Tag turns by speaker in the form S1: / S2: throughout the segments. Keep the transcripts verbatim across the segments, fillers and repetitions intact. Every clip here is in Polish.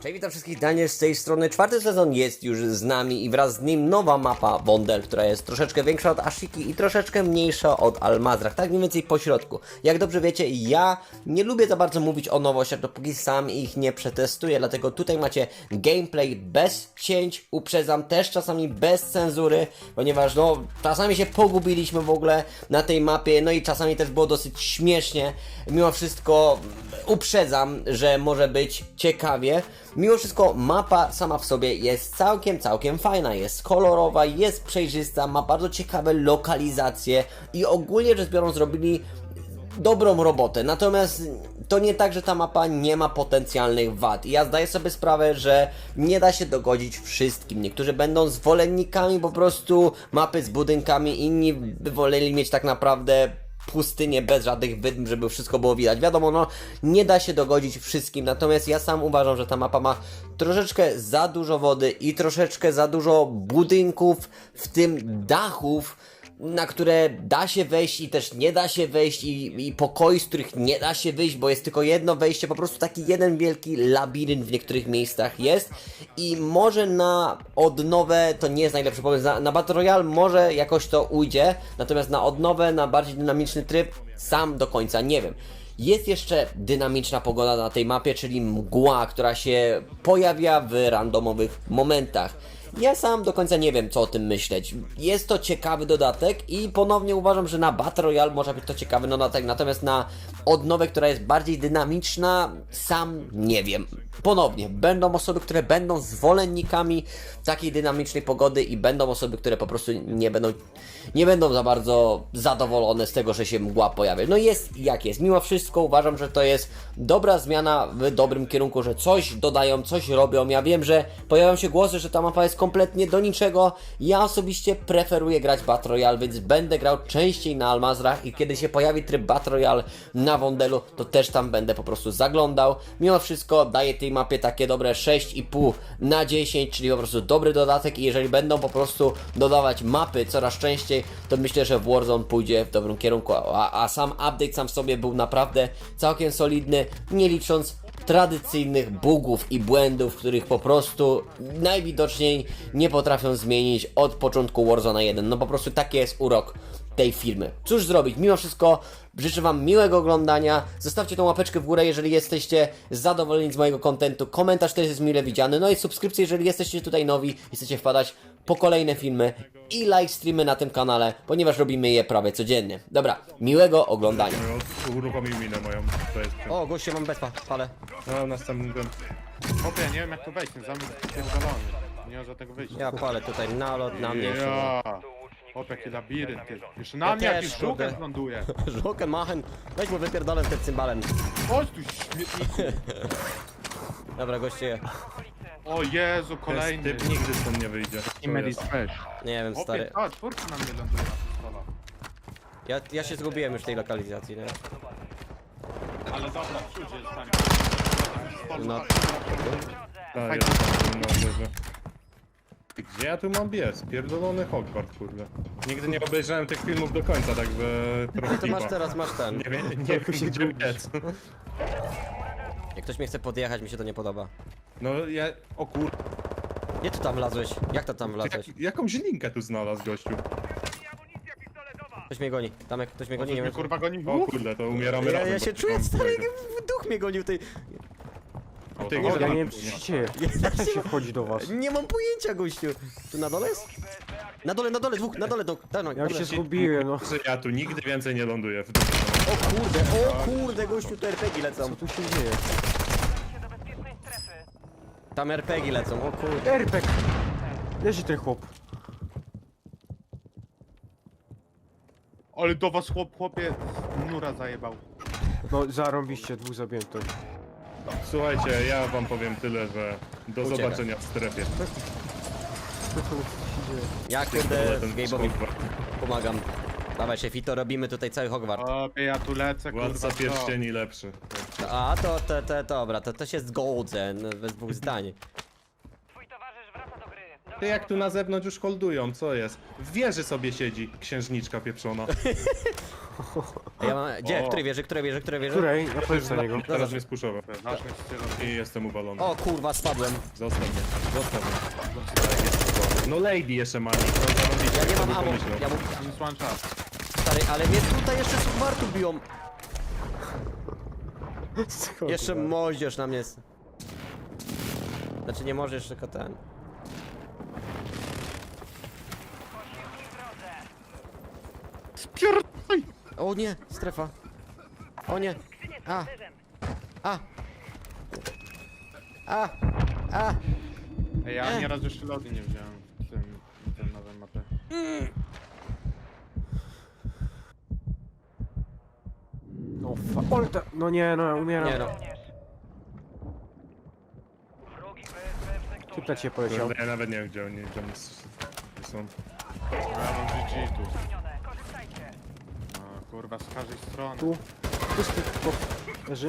S1: Cześć, witam wszystkich, Daniel z tej strony. Czwarty sezon jest już z nami i wraz z nim nowa mapa Wondel, która jest troszeczkę większa od Ashiki i troszeczkę mniejsza od Al-Mazrah, tak mniej więcej po środku. Jak dobrze wiecie, ja nie lubię za bardzo mówić o nowościach, dopóki sam ich nie przetestuję, dlatego tutaj macie gameplay bez cięć, uprzedzam, też czasami bez cenzury, ponieważ no, czasami się pogubiliśmy w ogóle na tej mapie, no i czasami też było dosyć śmiesznie. Mimo wszystko uprzedzam, że może być ciekawie. Mimo wszystko mapa sama w sobie jest całkiem, całkiem fajna, jest kolorowa, jest przejrzysta, ma bardzo ciekawe lokalizacje i ogólnie rzecz biorąc zrobili dobrą robotę. Natomiast to nie tak, że ta mapa nie ma potencjalnych wad. I ja zdaję sobie sprawę, że nie da się dogodzić wszystkim. Niektórzy będą zwolennikami po prostu mapy z budynkami, inni by woleli mieć tak naprawdę pustynię bez żadnych wydm, żeby wszystko było widać. Wiadomo, no nie da się dogodzić wszystkim, natomiast ja sam uważam, że ta mapa ma troszeczkę za dużo wody i troszeczkę za dużo budynków, w tym dachów, na które da się wejść i też nie da się wejść i, i pokoi, z których nie da się wyjść, bo jest tylko jedno wejście, po prostu taki jeden wielki labirynt w niektórych miejscach jest i może na odnowę to nie jest najlepszy pomysł, na, na Battle Royale może jakoś to ujdzie, natomiast na odnowę, na bardziej dynamiczny tryb sam do końca nie wiem. Jest jeszcze dynamiczna pogoda na tej mapie, czyli mgła, która się pojawia w randomowych momentach. Ja sam do końca nie wiem, co o tym myśleć. Jest to ciekawy dodatek i ponownie uważam, że na Battle Royale może być to ciekawy dodatek, natomiast na odnowę, która jest bardziej dynamiczna, sam nie wiem. Ponownie, będą osoby, które będą zwolennikami takiej dynamicznej pogody i będą osoby, które po prostu nie będą, nie będą za bardzo zadowolone z tego, że się mgła pojawia. No jest jak jest. Mimo wszystko uważam, że to jest dobra zmiana w dobrym kierunku, że coś dodają, coś robią. Ja wiem, że pojawiają się głosy, że ta mapa jest kompletnie do niczego. Ja osobiście preferuję grać Battle Royale, więc będę grał częściej na Al-Mazrah i kiedy się pojawi tryb Battle Royale na Wondelu, to też tam będę po prostu zaglądał. Mimo wszystko daję tej mapie takie dobre sześć i pół na dziesięć, czyli po prostu dobry dodatek i jeżeli będą po prostu dodawać mapy coraz częściej, to myślę, że Warzone pójdzie w dobrym kierunku, a, a sam update sam w sobie był naprawdę całkiem solidny, nie licząc tradycyjnych bugów i błędów, których po prostu najwidoczniej nie potrafią zmienić od początku Warzone jeden. No po prostu taki jest urok tej firmy. Cóż zrobić? Mimo wszystko życzę wam miłego oglądania. Zostawcie tą łapeczkę w górę, jeżeli jesteście zadowoleni z mojego kontentu. Komentarz też jest mile widziany. No i subskrypcje, jeżeli jesteście tutaj nowi i chcecie wpadać po kolejne filmy i live streamy na tym kanale, ponieważ robimy je prawie codziennie. Dobra, miłego oglądania.
S2: Uruchomił minę moją, to jest...
S1: O, goście, mam bezpa, ale...
S2: No, następnym tym...
S3: Chłopie, nie wiem jak to wejść, ten zamek jest pierdolony. Nie ma żadnego wyjścia.
S1: Ja palę tutaj nalot na mnie.
S3: Ja. Chłopie, jaki labirynt, ty. Jeszcze na
S1: Ja
S3: mnie
S1: też,
S3: jakiś żółkiem
S1: kurde.
S3: ląduje.
S1: Żokę machen, weź mu wypierdolę tym cymbalem.
S3: Chodź tu, śmietniku.
S1: Dobra, goście,
S3: O Jezu,
S2: Ten
S3: kolejny.
S2: typ nigdy stąd nie wyjdzie.
S3: I Medis weź.
S1: nie wiem,
S3: Chłopie,
S1: stary.
S3: a, czwórka na mnie ląduje na pistola.
S1: Ja, ja się zgubiłem już w tej lokalizacji, nie?
S3: Ale dobra, przyjdzie tam.
S1: No.
S2: Ta, jest na górze. Gdzie ja tu mam biec? Pierdolony Hogwart, kurde. Nigdy nie obejrzałem tych filmów do końca, tak by... trochę
S1: To masz
S2: tipa.
S1: teraz, masz ten.
S2: Nie wiem, nie wiem gdzie biec.
S1: Jak ktoś mnie chce podjechać, mi się to nie podoba.
S2: No ja... O kur...
S1: Gdzie ty tam wlazłeś? Jak to tam wlazłeś?
S2: Jak, jakąś linkę tu znalazł gościu.
S1: Ktoś mnie goni. Tam jak ktoś mnie
S3: O,
S1: goni,
S3: coś
S1: nie
S3: mnie
S1: wiem.
S3: kurwa goni.
S2: O kurde, to umieramy
S1: Ja,
S2: razem.
S1: ja
S2: bo
S1: się
S2: tu
S1: czuję
S2: mam
S1: stary,
S2: tego.
S1: duch mnie gonił tej...
S2: O,
S3: Ty,
S2: to
S3: nie,
S2: może
S3: ja
S2: na-
S4: nie wiem, co się dzieje. Jak to się wchodzi do was?
S1: Nie mam pojęcia, gościu. Tu na dole jest? Na dole, na dole, dwóch, na dole, do, no,
S4: Ja się zgubiłem, no.
S2: Że ja tu nigdy więcej nie ląduję w
S1: O kurde, o kurde, gościu, tu er pe gie lecą.
S4: Co tu się dzieje?
S1: Tam er pe gie lecą, o kurde.
S4: Erpek! Leży ten chłop.
S3: Ale do was chłop, chłopie, nura zajebał.
S4: No zarąbiście, dwóch zabiłem to.
S2: Słuchajcie, ja wam powiem tyle, że do
S1: Uciekaj.
S2: zobaczenia w strefie.
S4: Co tu się dzieje?
S1: Ja kurde,
S2: Ten
S1: Gabe'owi
S2: Hogwart.
S1: pomagam. Dawaj szefito, robimy tutaj cały Hogwart.
S3: Chłopie, ja tu lecę, kurwa.
S2: Władca
S3: co?
S2: pierścieni lepszy.
S1: A to, to, to, dobra, to, to się zgodzę, no, bez dwóch zdań.
S2: Ty jak tu na zewnątrz już holdują, co jest? W wieży sobie siedzi księżniczka pieprzona.
S1: Ja mam... Gdzie?
S2: O.
S1: Której wieży? Której wieży? Której wieży?
S4: Której? Ja powiem na niego.
S2: Teraz mnie spuszował.
S3: Zacznę strzelać.
S2: I jestem uwalony.
S1: O kurwa, spadłem.
S2: Zostaw mnie, zostaw mnie. No lady jeszcze ma, no
S1: Ja nie mam
S2: bym
S1: ammo.
S2: pomyślał.
S1: Ja mu...
S3: Minus one czas.
S1: Stary, ale mnie tutaj jeszcze subwartu biją.
S4: Skąd
S1: Jeszcze
S4: to?
S1: moździerz na mnie jest. Znaczy nie możesz, tylko ten.
S3: Spierdaj!
S1: O nie, strefa. O nie. A. A. A. A.
S3: Ej, ja
S1: Eh.
S3: nieraz jeszcze lody nie wziąłem w tym, w tym nowym mapie.
S4: No fa... Ole, ta... No nie, no umieram.
S1: Nie no.
S4: Typ na ciebie poleciał.
S2: Ja nawet nie wiem gdzie oni, gdzie oni s- są.
S3: Ja mam G G tu. No, kurwa, z każdej strony.
S4: Tu. Pusty chłop. Leży.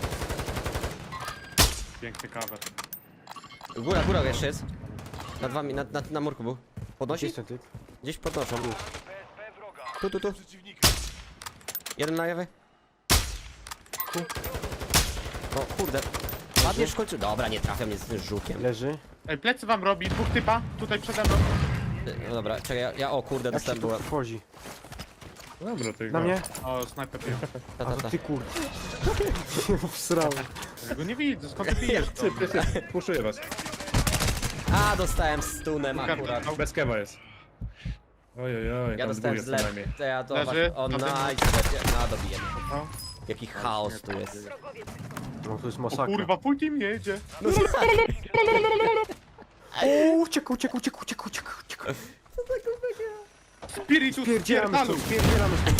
S3: Piękny cover.
S1: Góra, góra jeszcze jest. Nad wami, na, na, na murku był.
S4: Gdzie
S1: Podnosi?
S4: jest ten typ?
S1: Gdzieś podnoszą. Tu, tu, tu. Jeden na lewy. Tu. O kurde. Padniesz w końcu. Dobra, nie trafia mnie z tym żukiem.
S4: Leży.
S3: Ej, plecy wam robi, dwóch typa, tutaj przede mną.
S1: No dobra, czekaj, ja, ja o kurde,
S4: Jak się
S1: dostałem
S4: tu
S1: była.
S4: wchodzi?
S2: Dobra, ty
S4: Na mnie?
S3: O, snajper pił.
S1: Ta,
S4: A
S1: ta,
S4: to
S1: ta.
S4: ty kurde. Wsrał.
S3: Ja go nie widzę, skąd ty bijesz to?
S2: Puszuję was.
S1: A, dostałem stunem akurat.
S2: Bez kewa jest. Ojej, oj,
S1: Ja
S2: tam
S1: dostałem
S2: dwóch jest co
S1: zlew.
S2: najmniej.
S1: To ja to
S3: Leży?
S1: O,
S3: Na tym?
S1: nice. No, dobiję.
S3: No.
S1: Jaki chaos tu jest.
S4: No to jest
S3: O
S4: masakra.
S3: kurwa, full team jedzie.
S4: O, uciekł, uciekł, uciekł, uciekł, uciekł, uciekł.
S3: Spiritus
S4: Pierdzielamy
S3: spierdalu.
S4: stąd, pierdzielamy stąd.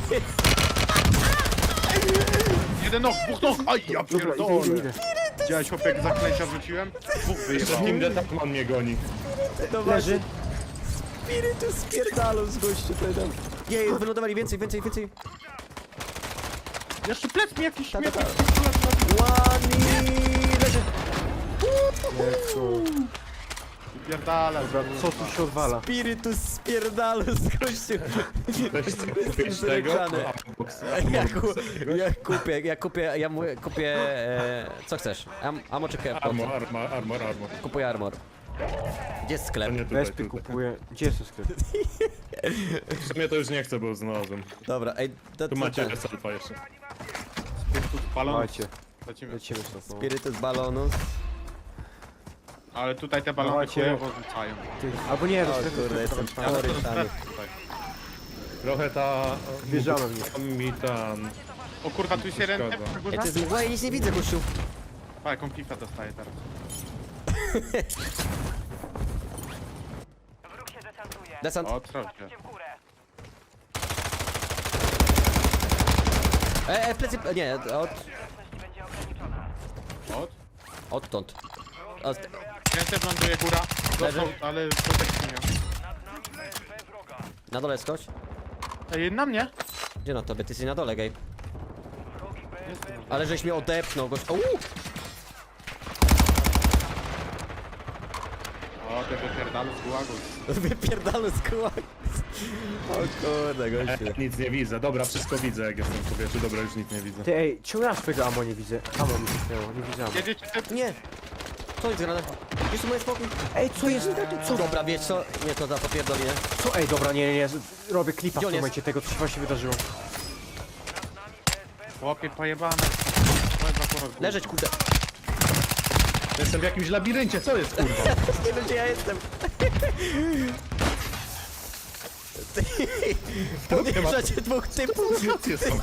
S3: Jeden nog, dwóch nog. Aj, ja
S4: Dobra, idę,
S3: pierdolę.
S4: idę, idę.
S3: Widziałeś chłopie, jak zaklęcia wrzuciłem? Dwóch
S2: Jeszcze
S3: wyjebało.
S2: Team Deathman mnie goni.
S4: Leży.
S1: Spirytus spierdalu z gościu tutaj tam. Jej, wylądowali więcej, więcej, więcej.
S3: Jeszcze plec mi jakiś
S1: Ta, ta,
S3: śmiech.
S1: ta. Łani, leży.
S4: Jezu.
S3: Pierdala.
S4: Dobra, co tu się odwala?
S1: Spirytus spierdalu z gościu.
S2: Weź kupić tego.
S1: Wygrany.
S2: A, box.
S1: Ja, ku, ja kupię, ja kupię, ja mu, kupię, e, co chcesz? Am, amo czy kebab?
S2: Armor, armor, armor, armor.
S1: Kupuję armor. Gdzie jest
S2: To
S1: sklep?
S2: nie tutaj,
S4: Wespy
S2: tutaj.
S4: kupuję. Gdzie jest ten sklep?
S2: W sumie to już nie chcę, bo znalazłem.
S1: Dobra, ej, to,
S2: Tu
S1: co
S2: macie
S1: ten?
S2: salfa jeszcze.
S3: Spiritus balon.
S4: Macie.
S3: Lecimy.
S4: Lecimy stąd. No.
S1: Spirytus balonus.
S3: Ale tutaj te balony
S4: Dawajcie.
S3: chujowo rzucają.
S4: Ty. Albo nie,
S1: O
S4: do sklepu.
S1: kurde, jestem
S3: Ja to
S1: porytany.
S3: stref tutaj.
S2: Trochę ta...
S4: Wjeżdżamy w nich.
S2: Tam mi tam...
S3: O kurwa, tu jest jeden typ na
S1: Ej,
S3: górze.
S1: to jest mgła, ja nic nie widzę, gościu.
S3: Pa, jaką pifa dostaję teraz.
S1: Desant.
S3: O, co się.
S1: E, e, plecy, nie, od,
S3: Od?
S1: odtąd. Od,
S3: Ręce ląduje góra.
S1: Leży.
S3: Dostał, ale protekcji nie.
S1: na dole skocz.
S3: Ej, na mnie?
S1: Gdzie na tobie? Ty jesteś na dole, gej.
S3: Jest na mnie.
S1: Ale żeś mnie odepchnął, gość. Uuu!
S3: O, te wypierdalu z gułagu.
S1: Wypierdalny z kółak. O kurde, gościu.
S2: E, nic nie widzę. Dobra, wszystko widzę jak jestem w powietrzu. Dobra, już nic nie widzę.
S4: Ty, ej, czemu ja swojego ammo nie widzę? Ammo mi zniknęło, nie widzę ammo.
S3: Jedziecie typ?
S1: Nie! Co jest grane? Gdzie są moje spokój?
S4: Ej, co jest?
S1: Co? Dobra, wiesz co? Nie, to za popierdolinę.
S4: Co? Ej, dobra, nie, nie, nie. Robię klipa w
S1: Gdzie on
S4: tym
S1: jest?
S4: momencie tego, co się właśnie wydarzyło.
S3: Chłopie, pojebane. Pojeba porok.
S1: Leżeć, kurde.
S2: Jestem w jakimś labiryncie, co jest kurwa?
S1: Nie wiem, gdzie ja jestem. Podjeżdżacie dwóch typów.
S2: Gdzie są?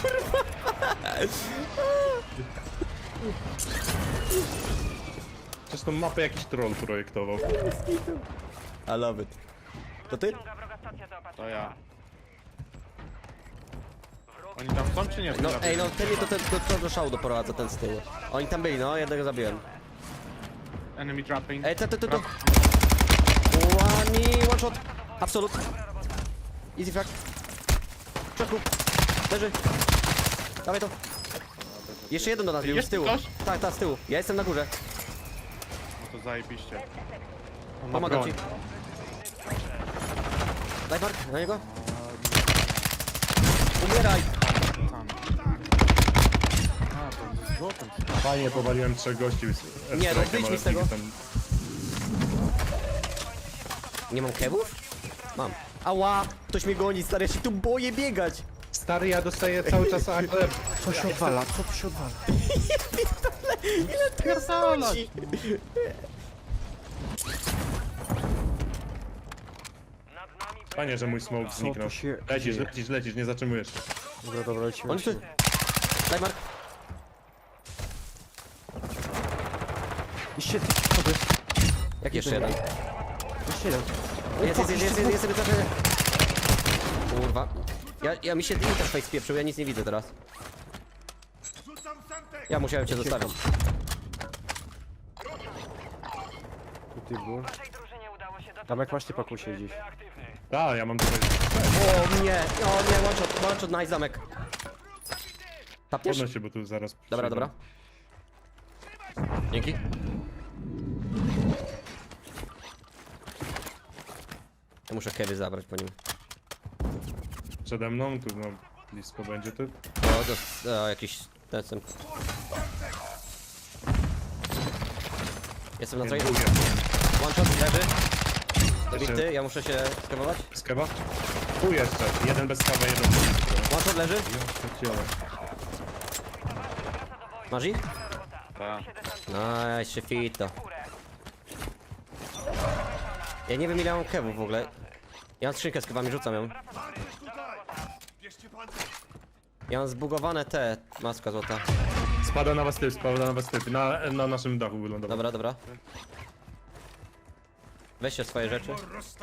S2: Przecież tą mapę jakiś troll projektował.
S1: I love it. To ty?
S3: To ja. Oni tam są czy nie?
S1: No, ej, no, ten mnie to, to, to, to do szału doprowadza, ten z tyłu. Oni tam byli, no, jednego zabiłem.
S3: Enemy dropping.
S1: Ej, to, to, to, to. One, one shot. Absolut. Easy frag. W środku. Leży. Dawaj to. Jeszcze jeden do nas bił, z
S3: Jest
S1: tyłu.
S3: ktoś?
S1: Tak, tak, z tyłu. Ja jestem na górze.
S3: No to zajebiście. On ma
S1: Pomagam
S3: broń.
S1: ci. Daj Mark, na niego. Umieraj!
S3: Tam. A, to ze złotem.
S2: Fajnie powaliłem trzech gości z
S1: Nie, no,
S2: F-Strike'em,
S1: wyjdź mi
S2: ale
S1: z tego.
S2: Tam...
S1: Nie mam kebów? Mam. Ała! Ktoś mnie goni, stary, ja się tu boję biegać!
S2: Stary, ja dostaję cały czas ale
S4: Co się odwala? Co tu się odwala?
S1: Ile to jest ludzi?
S2: Fajnie, że mój smoke
S4: Co
S2: zniknął.
S4: tu się
S2: Lecisz,
S4: dzieje?
S2: lecisz, lecisz, nie zatrzymujesz się.
S4: Dobra, dobra, lecimy.
S1: On tu...
S4: lecimy.
S1: Daj Mark.
S4: Jeszcze ty schody.
S1: Jak jeszcze jeden?
S4: Jeszcze jeden.
S1: Jest, jest, jest, jest, jest, jest, jest, jest. Kurwa. Ja, ja mi się interfejs spieprzył, ja nic nie widzę teraz. Ja musiałem cię zostawić.
S4: Tu ty był. Tam jak masz typa kusie gdzieś.
S2: Tak, ja mam tutaj...
S1: O nie, o nie, one shot, one shot, nice zamek. Tapniesz?
S2: Podnoś się, bo tu zaraz...
S1: Dobra,
S2: przyjdą.
S1: dobra. Dzięki. Ja muszę kewy zabrać po nim.
S2: Przede mną, tu no, blisko będzie ty.
S1: O, to, o jakiś... Ten, ten. Jestem na
S2: Nie,
S1: trade.
S2: drugie.
S1: One shot, leży.
S2: Jeszcze-
S1: Zabity, ja muszę się skawować.
S2: Z kewa? Tu jeszcze, jeden bez kawy, jeden bez
S1: One shot leży.
S2: kawy.
S1: Masz ich?
S3: Tak.
S1: Nice, shifito. Ja nie wiem ile mam kewów w ogóle. Ja mam skrzynkę z kewami, rzucam ją. Ja mam zbugowane te, maska złota.
S2: Spada na was typ, spada na was typ. Na, na naszym dachu wylądował.
S1: Dobra, dobra. Weźcie swoje rzeczy.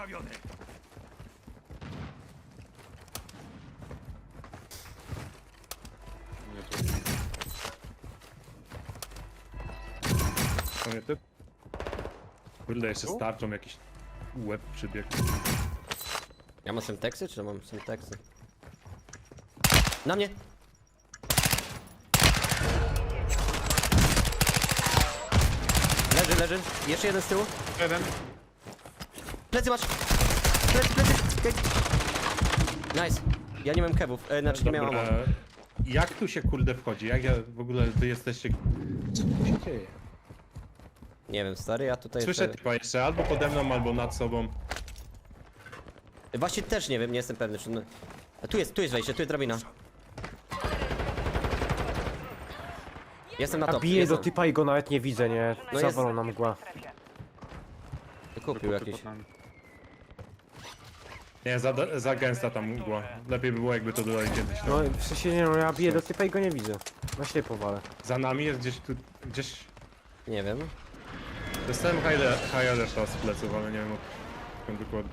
S2: To nie typ? Kurde, jeszcze starczą jakiś łeb przybiegł.
S1: Ja mam semteksy, czy mam semteksy? Na mnie! Leży, leży. Jeszcze jeden z tyłu.
S3: Jeden.
S1: Plecy masz! Plecy, plecy! Okej. Nice. Ja nie mam kebów, e, znaczy nie miałem
S2: Dobra,
S1: ammo.
S2: jak tu się kurde wchodzi? Jak ja w ogóle wy jesteście... Co tu się dzieje?
S1: Nie wiem, stary, ja tutaj...
S2: Słyszę
S1: jeszcze-
S2: typa jeszcze albo pode mną, albo nad sobą.
S1: Właśnie też nie wiem, nie jestem pewny, czy... A tu jest, tu jest wejście, tu jest drabina. Jestem na
S4: Ja
S1: top,
S4: biję do
S1: jestem.
S4: typa i go nawet nie widzę, nie?
S1: No jest-
S4: Zawalą na mgła.
S1: Kupił jakiś.
S3: Pod nami.
S2: Nie, za, za gęsta tam mgła. Lepiej by było jakby to dodali kiedyś. No.
S4: No w sensie nie no, ja biję do typa i go nie widzę. Na ślepo walę.
S2: Za nami jest gdzieś tu... gdzieś...
S1: Nie wiem.
S2: Dostałem high alerta z pleców, ale nie wiem o czym dokładnie.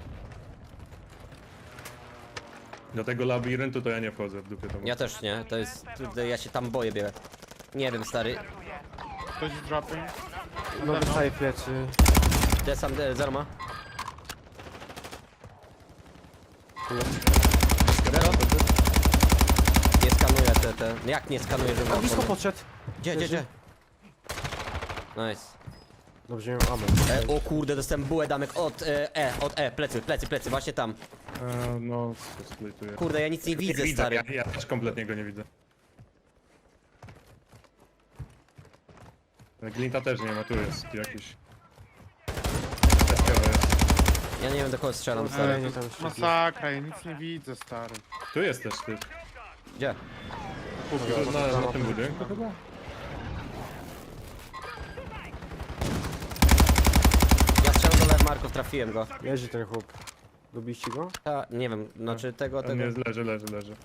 S2: Do tego labiryntu to ja nie wchodzę w dupie tam.
S1: Ja też nie, to jest... Tutaj ja się tam boję biegać. Nie wiem, stary.
S3: Ktoś z dropem.
S4: No dostaję plecy.
S1: Ja sam e, zero ma. Zero. Nie skanuję te, te... Jak nie skanuję, że
S4: A
S1: mam...
S4: blisko podszedł.
S1: Gdzie, gdzie, gdzie? Nice.
S4: Dobrze, nie mam ammo.
S1: E, o kurde, dostałem bułę damek od e, E, od E, plecy, plecy, plecy, właśnie tam.
S2: E, no, splituję.
S1: Kurde, ja nic nie widzę,
S2: widzę,
S1: stary.
S2: ja, ja też kompletnie go nie widzę. Glinta też nie ma, tu jest jakiś... Testowy jest.
S1: Ja nie wiem, do kogo strzelam,
S4: Ej,
S1: stary.
S4: nie tam jeszcze.
S3: Masakra, ja nic nie widzę, stary.
S2: Tu jest też ty.
S1: Gdzie?
S2: Tu na, na tym budynku chyba?
S1: Ja strzelam do Marków, trafiłem go.
S4: Leży ten chłop. Lubiście go?
S1: A, nie wiem, znaczy tego,
S2: On
S1: tego...
S2: jest, leży, leży, leży.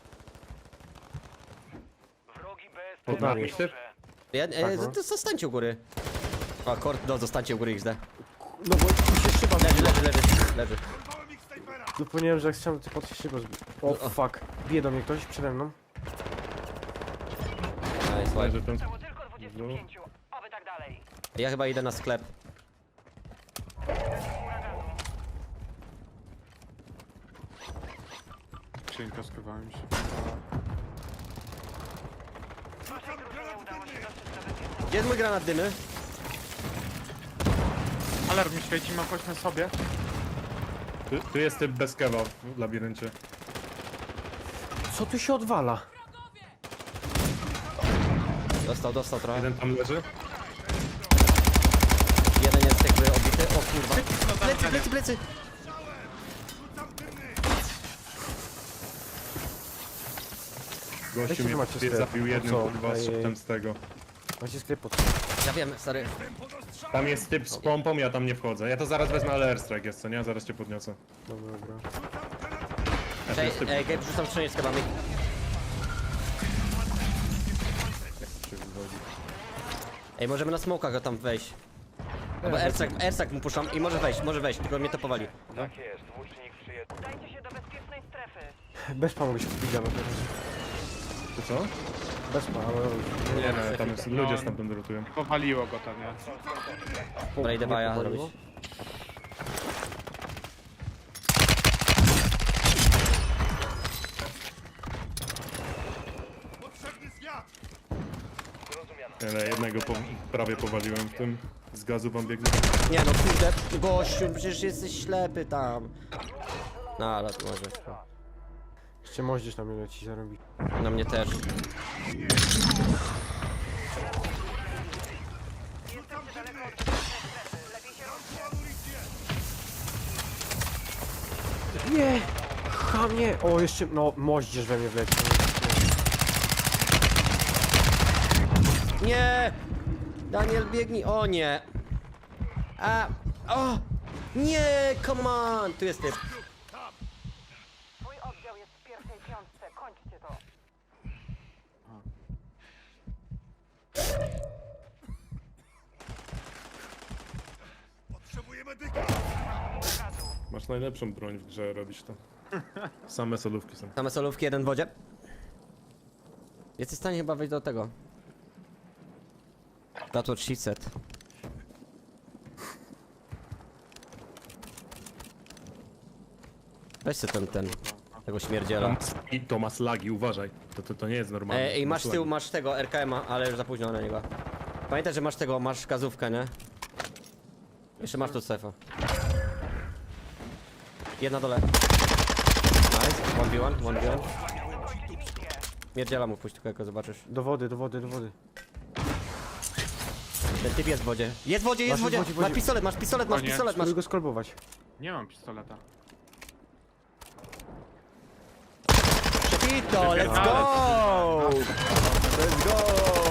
S4: Pod
S2: Pod
S4: nami.
S2: nami typ?
S1: Ja, e,
S4: Tak, no.
S1: to zostańcie u góry. A, kord, no, zostańcie u góry X D.
S4: No bo tu się szyba
S1: Leży, leży, leży, leży.
S4: Zapomniałem, że jak chciałem to pod się szyba zbić. O
S1: No.
S4: fuck. Bije do mnie ktoś przede mną.
S1: Nice,
S2: Leży
S1: ładnie.
S2: ten...
S5: Tylko dwudziestu pięciu, oby tak dalej.
S1: Ja chyba idę na sklep.
S3: Skrzynka, schowałem się.
S1: Gdzie jest mój granat dymy?
S3: Alarm mi świeci, mam coś na sobie.
S2: Tu, tu jest typ bez kewa w labiryncie.
S4: Co tu się odwala?
S1: Dostał, dostał trochę.
S2: Jeden tam leży.
S1: Jeden jest jakby obity. O kurwa. Plecy, plecy, plecy!
S2: Gościu
S4: Weźcie,
S2: mnie
S4: że macie
S2: mnie
S4: sklep.
S2: zabił jednym,
S4: Co?
S2: kurwa,
S4: Ej,
S2: z
S4: ej.
S2: szybtem z tego.
S4: Macie sklep pod...
S1: Ja wiem, stary.
S2: Tam jest typ z pompą, ja tam nie wchodzę. Ja to zaraz wezmę, ale airstrike jest, co nie? Zaraz cię podniosę.
S4: Dobra, dobra.
S2: Ja to
S1: Ej,
S2: jest typ.
S1: ej, Gabe, rzucam skrzynię z kebami. Ej, możemy na smokach go tam wejść. Albo Ersak, Ersak mu puszczam i może wejść, może wejść, tylko mnie to powali.
S5: Tak jest, łucznik przyjedzie. Udajcie się do bezpiecznej strefy.
S4: Bez pa mogę się kupić na teraz.
S2: To co?
S4: Bez pa, ale...
S2: Nie, nie, tam jest, ludzie stamtąd rotują.
S3: Powaliło go tam, ja.
S1: Dobra, idę baja
S4: powaliło?
S1: zrobić.
S2: Ale jednego po, prawie powaliłem w tym. Z gazu wam biegnie.
S1: Nie no, kurde, gościu, przecież jesteś ślepy tam. No, ale to może.
S4: Jeszcze moździerz na mnie leci zarobi.
S1: Na mnie też.
S4: Nie! Chamie! O, jeszcze... No, moździerz we mnie wleci.
S1: Nie! Daniel, biegnij. O nie! A! O! Nie! Come on! Tu jest typ.
S5: Twój oddział jest w pierwszej piątce. Kończcie to.
S2: Masz najlepszą broń w grze, robisz to. Same solówki są.
S1: Same solówki, jeden w wodzie. Jesteś w stanie chyba wejść do tego. That's what she said. Weź sobie ten, ten, tego śmierdziela.
S2: I to ma slagi, uważaj. To, to, to nie jest normalne.
S1: Ej, ej,
S2: To ma
S1: masz z
S2: slagi.
S1: tyłu, masz tego R K M-a, ale już za późno na niego. Pamiętaj, że masz tego, masz gazówkę, nie? Jeszcze masz tu sefę. Jedna dole. Nice, one v one, one v one. Mierdziela mu pójść tylko, jak go zobaczysz.
S4: Do wody, do wody, do wody.
S1: Ten typ jest w wodzie. Jest w wodzie, jest w
S4: Masz w
S1: wodzie!
S4: wodzie, w wodzie.
S1: Masz pistolet, masz pistolet, masz
S3: O nie,
S1: pistolet, masz...
S4: Spróbuj go skolbować.
S3: Nie mam pistoleta.
S1: Przepito, let's go! Let's go!